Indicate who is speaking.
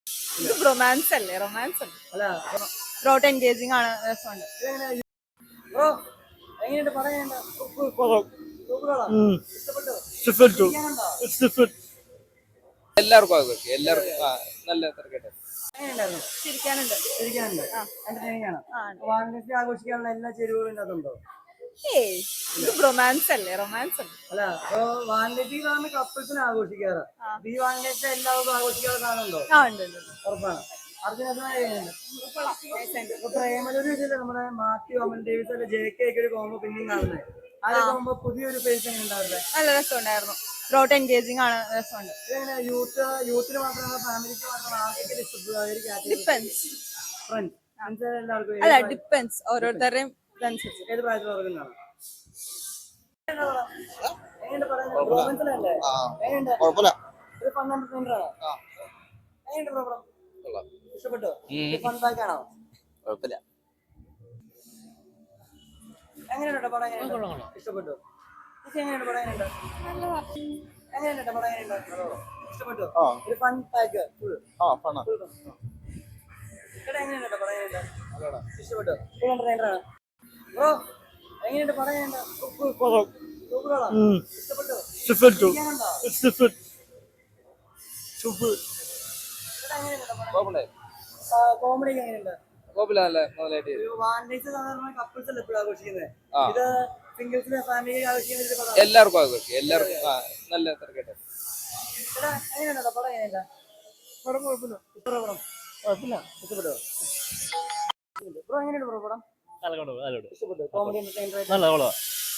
Speaker 1: ഇത് റൊമാൻസ് അല്ലേ? റൊമാൻസ് അല്ലേ?
Speaker 2: അല്ല
Speaker 1: ത്രോട്ട് എൻഗേജിങ് ആണ്, രസമുണ്ട്.
Speaker 2: ബ്രോ എങ്ങനെയുണ്ട് പറയണ്ട?
Speaker 3: ഇഷ്ടപ്പെട്ടു.
Speaker 4: എല്ലാവർക്കും ആഘോഷിക്കും. എല്ലാവർക്കും നല്ല തിരക്കട്ടെ.
Speaker 2: എങ്ങനെയുണ്ടായിരുന്നു?
Speaker 1: ചിരിക്കാനുണ്ട്.
Speaker 2: ഇരിക്കാനുണ്ട്. എന്റർടൈനിങ് ആണ്. വാലന്റൈൻസ് ഡേ ആഘോഷിക്കാനുള്ള എല്ലാ ചേരുവകളും ഇതിനകത്തുണ്ടോ?
Speaker 1: ഏയ് ഇത് റൊമാൻസ് അല്ലേ? റൊമാൻസ് അല്ലേ?
Speaker 2: അല്ല വാലന്റൈൻസ് ഡേ ആണ് കപ്പിൾസിന് ആഘോഷിക്കാറ്. ഈ വാലന്റൈൻസ് ഡേ എല്ലാവർക്കും ആഘോഷിക്കാതെ കാണുന്നുണ്ടോ?
Speaker 1: ഉണ്ട് ഉണ്ട്, ഉണ്ട്.
Speaker 2: ഉറപ്പാണ്. അർജുനേട്ടനുണ്ട്
Speaker 1: Nice.
Speaker 2: പ്രേമലൊരു ഇതില്ല, നമ്മുടെ മാത്യു അമൽ ഡേവിസ് അല്ലെ JK ഒക്കെ ഒരു കോമ്പോ പിന്നെയും കാണുന്നത്. അതൊക്കെ ആകുമ്പോ പുതിയൊരു ഫേസ് എങ്ങനെ ഉണ്ടാവില്ലേ?
Speaker 1: നല്ല രസമുണ്ടായിരുന്നു. ത്രോട്ട് എൻഗേജിങ് ആണ്, രസമുണ്ട്.
Speaker 2: ഇതെങ്ങനെ യൂത്തിന് മാത്രമല്ല ഫാമിലിക്ക് മാത്രമല്ല ആർക്കൊക്കെ ഇഷ്ടപ്പെടുക?
Speaker 1: ഡിപ്പെൻസ്.
Speaker 2: ഫ്രണ്ട്സ് എല്ലാവർക്കും
Speaker 1: അല്ല, ഡിപ്പെൻസ്. ഓരോരുത്തരുടെയും ഇതനുസരിച്ച്.
Speaker 2: ഏത് പ്രായത്തിലുള്ളവർക്കും കാണാം. എങ്ങനെയുണ്ട് പറയുന്നത്? മനസ്സിലല്ലേ? എങ്ങനെയുണ്ട്? ഒരു ഫൺ എന്റർടൈനർ ആണോ? എങ്ങനെയുണ്ട് പ്രോഗ്രാം? ഇഷ്ടപ്പെട്ടോ? ഫൺ പാക്ക് ആണോ?
Speaker 4: കുഴപ്പമില്ല.
Speaker 2: എങ്ങനെയുണ്ട് പടം? എങ്ങനെയുണ്ട്? ഇഷ്ടപ്പെട്ടു. എങ്ങനെയുണ്ട് പടം? എങ്ങനെയുണ്ട്? എങ്ങനെയുണ്ട് പടം? എങ്ങനെയുണ്ട്? ഇഷ്ടപ്പെട്ടു. ഒരു ഫൺ പാക്ക് ഫുൾ. എങ്ങനെയുണ്ട് പടം? എങ്ങനെയുണ്ട്? ഇഷ്ടപ്പെട്ടു. ഫുൾ എന്റർടൈനർ ആണ്. ബ്രോ എങ്ങനെയുണ്ട് പടം? എങ്ങനെയുണ്ട്? സൂപ്പറാണോ? ഇഷ്ടപ്പെട്ടു. കോമഡി എങ്ങനെയുണ്ട്? വാലന്റൈൻസ് സാധാരണ കപ്പിൾസ് അല്ലേ എപ്പോഴും ആഘോഷിക്കുന്നത്. ഇത് സിംഗിൾസിനെ ഫാമിലി ആഘോഷിക്കുന്ന
Speaker 4: എല്ലാവർക്കും ആഘോഷിക്കും. എല്ലാവർക്കും നല്ല തിരക്കട്ടെ.
Speaker 2: എങ്ങനെയുണ്ടോ പടം? എങ്ങനെയുണ്ട്? പടം കുഴപ്പമില്ല. കുഴപ്പമില്ല. ഇഷ്ടപ്പെട്ടോ? ബ്രോ എങ്ങനെയുണ്ട് ബ്രോ പടം? ഇഷ്ടപ്പെട്ടു. Comedy entertainer